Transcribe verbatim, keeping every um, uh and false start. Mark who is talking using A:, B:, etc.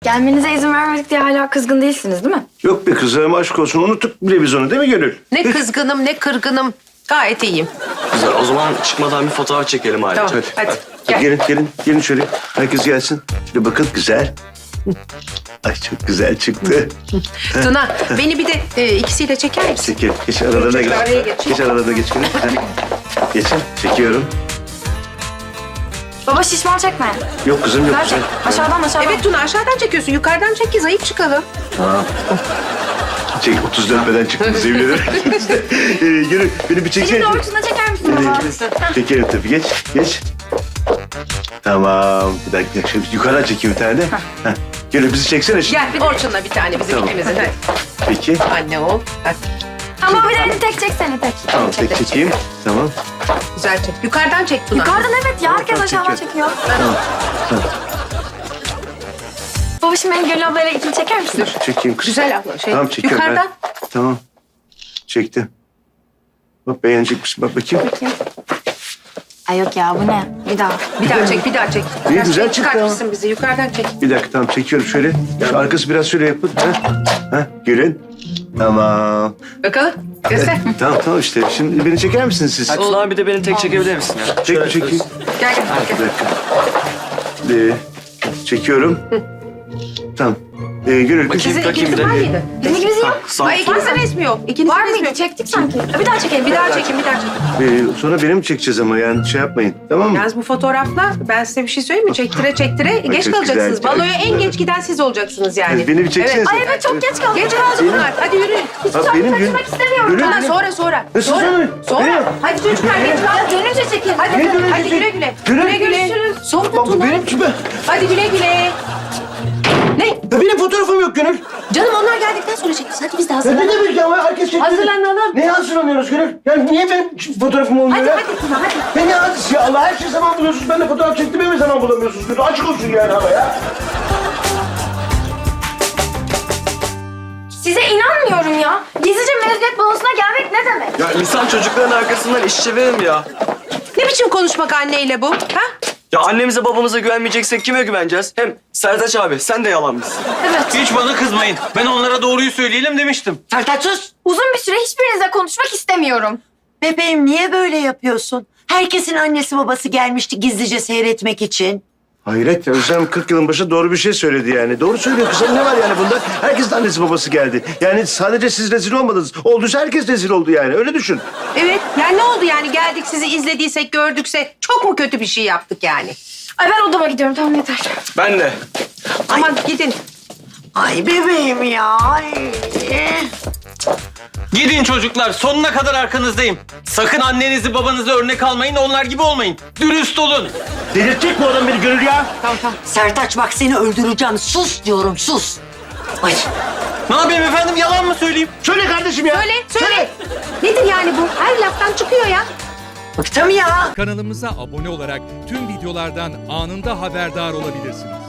A: Gelmenize izin vermedik diye hala kızgın değilsiniz değil mi?
B: Yok be kızım aşk olsun unuttuk bile biz onu değil mi Gönül?
C: Ne kızgınım ne kırgınım. Gayet iyiyim.
D: Güzel. O zaman çıkmadan bir fotoğraf çekelim hadi.
C: Tamam
B: Hadi.
C: hadi.
B: Hadi
C: Gel.
B: gelin gelin gelin şöyle. Herkes gelsin. Şöyle bakın güzel. Ay çok güzel çıktı.
C: Tuna beni bir de e, ikisiyle çeker misin?
B: Çekil. Geç aralarına geç.
C: Araya geç.
B: Geç aralarına geç. Gönül. Heh. Geçin. Çekiyorum.
A: Baba şişman çekme.
B: Yok kızım yok.
A: Gerçek.
B: Güzel.
A: Aşağıdan aşağıdan.
C: Evet Tuna aşağıdan çekiyorsun. Yukarıdan çek ki zayıf çıkalım.
B: Çek otuz dönmeden çıktınız yemin ederim. ee, Gönül beni bir çeksene.
A: Şimdi de ortasına çeker misin baba?
B: Çekelim tabii. Geç. Geç. Tamam. Bir dakika. Şöyle yukarıdan çekeyim bir tane de. Heh. Gönül bizi çeksene şimdi.
C: Gel Orçun'la bir tane bizim
B: Tamam.
C: ikimizin. Hadi.
B: Peki.
C: Anne ol. Hadi.
A: Ama bir de elini tek çeksene tek.
B: Tamam tek çekeyim. Tamam.
C: Güzel çek. Yukarıdan çek Tuna.
A: Yukarıdan evet ya herkes
B: Tamam,
A: aşağıdan
B: çekiyorum.
A: çekiyor.
B: Tamam. Tamam.
A: Baba şimdi beni Gönül ablayla ikili çeker misin?
B: Dur çekeyim kız.
C: Güzel abla. Şey,
B: Tamam çekiyorum.
C: yukarıdan.
B: Ben. Tamam. Çektim. Bak beğenecek misin? Bak bakayım.
A: Ay yok ya bu ne? Bir daha.
C: Bir daha çek, bir daha çek.
B: İyi,
C: Biraz
B: güzel
C: şey
B: çıktı
C: çıkartmışsın bizi. Yukarıdan çek.
B: Bir dakika tamam çekiyorum şöyle. Şu arkası biraz şöyle yapın. Ha? Ha? Gelin. Tamam.
C: Bakalım. Göster.
B: Tamam tamam işte. Şimdi beni çeker misiniz siz?
D: Hadi Tuna abi de beni tek çekebilir misin ya?
B: Çek mi çekeyim?
C: Gel gel.
B: Bir
C: gel.
B: dakika. Ee, çekiyorum. Tamam. Ee, Gönül kız.
C: Sizin
D: Bakayım bir
C: ikinizin
D: de.
C: var mıydı?
A: Bizim ikimizin yok.
D: Sağ
C: Ay ikinizin resmi yok. İkinizin
A: Var
C: resmi
A: mıydı?
C: yok.
A: Çektik sanki. Bir daha çekelim.
C: Bir daha çekin, bir daha çekin.
B: Ee, sonra benim mi çekeceğiz ama yani şey yapmayın. Tamam mı?
C: Yalnız bu fotoğrafla ben size bir şey söyleyeyim mi? Çektire çektire geç
B: çok
C: kalacaksınız.
B: güzel.
C: Baloya en geç giden siz olacaksınız yani.
B: Beni bir çeksenize.
C: Evet.
A: Ay evet çok geç kaldık.
C: Geç kaldı bunlar. Hadi yürüyün.
B: Bak benim gün.
A: Kaçmak istemiyorum.
B: Gönül,
C: Tuna
B: benim-
C: sonra sonra.
B: Nasıl
C: sonra?
B: sonra?
C: Sonra.
B: Benim.
C: Hadi çocuklar geç kaldı.
A: Dönünce çekin.
C: Hadi,
B: Ne dönünce
C: hadi
B: çek-
C: güle güle.
B: Güle
C: Güle güle.
A: görüşürüz.
C: Sonra
B: Bak bu
C: Tuna.
B: benim gibi.
C: Hadi güle güle. Ne?
B: Ya benim fotoğrafım yok Gönül.
C: Canım onlar geldikten sonra çekeceğiz. Hadi biz de
B: Ya ne
C: hazırlanalım.
B: demek ya? Herkes çekti.
C: Hazırlanalım.
B: Neye hazırlanıyoruz Gönül? Yani niye ben fotoğrafım olmuyor
C: Hadi
B: ya?
C: hadi Tuna hadi.
B: Ben ne hadisi ya? Allah her şey zaman buluyorsunuz. Ben de fotoğraf çektiğimi mi zaman bulamıyorsunuz? Gönül açık olsun yani ama ya.
A: Size inanmıyorum ya. Gizlice mezuniyet balosuna gelmek ne demek?
D: Ya insan çocukların arkasından iş çevirir mi ya?
C: Ne biçim konuşmak anneyle bu? Ha?
D: Ya annemize babamıza güvenmeyeceksek kime güveneceğiz? Hem Sertaç abi sen de yalan mısın?
A: Evet.
E: Hiç bana kızmayın. Ben onlara doğruyu söyleyelim demiştim.
F: Sertaç sus.
A: Uzun bir süre hiçbirinizle konuşmak istemiyorum.
F: Bebeğim niye böyle yapıyorsun? Herkesin annesi babası gelmişti gizlice seyretmek için.
B: Hayret ya Özlem kırk yılın başı doğru bir şey söyledi yani. Doğru söylüyor kızım ne var yani bunda? Herkesin annesi babası geldi. Yani sadece siz rezil olmadınız. Olduysa herkes rezil oldu yani öyle düşün.
C: Evet. Yani ne oldu yani geldik sizi izlediysek gördükse çok mu kötü bir şey yaptık yani?
A: Ay ben odama gidiyorum tamam yeter.
D: Ben de.
C: Ama gidin.
F: Ay bebeğim ya. Ay.
E: Gidin çocuklar, sonuna kadar arkanızdayım. Sakın annenizi babanızı örnek almayın, onlar gibi olmayın. Dürüst olun.
B: Delirtecek mi adam beni Gönül ya?
C: Tamam tamam.
F: Sertaç bak seni öldüreceğim. Sus diyorum sus. Ay.
E: Ne yapayım efendim, yalan mı söyleyeyim?
B: Söyle kardeşim ya.
C: Söyle söyle. Nedir yani bu? Her laftan çıkıyor ya.
F: Bıktım ya.
G: Kanalımıza abone olarak tüm videolardan anında haberdar olabilirsiniz.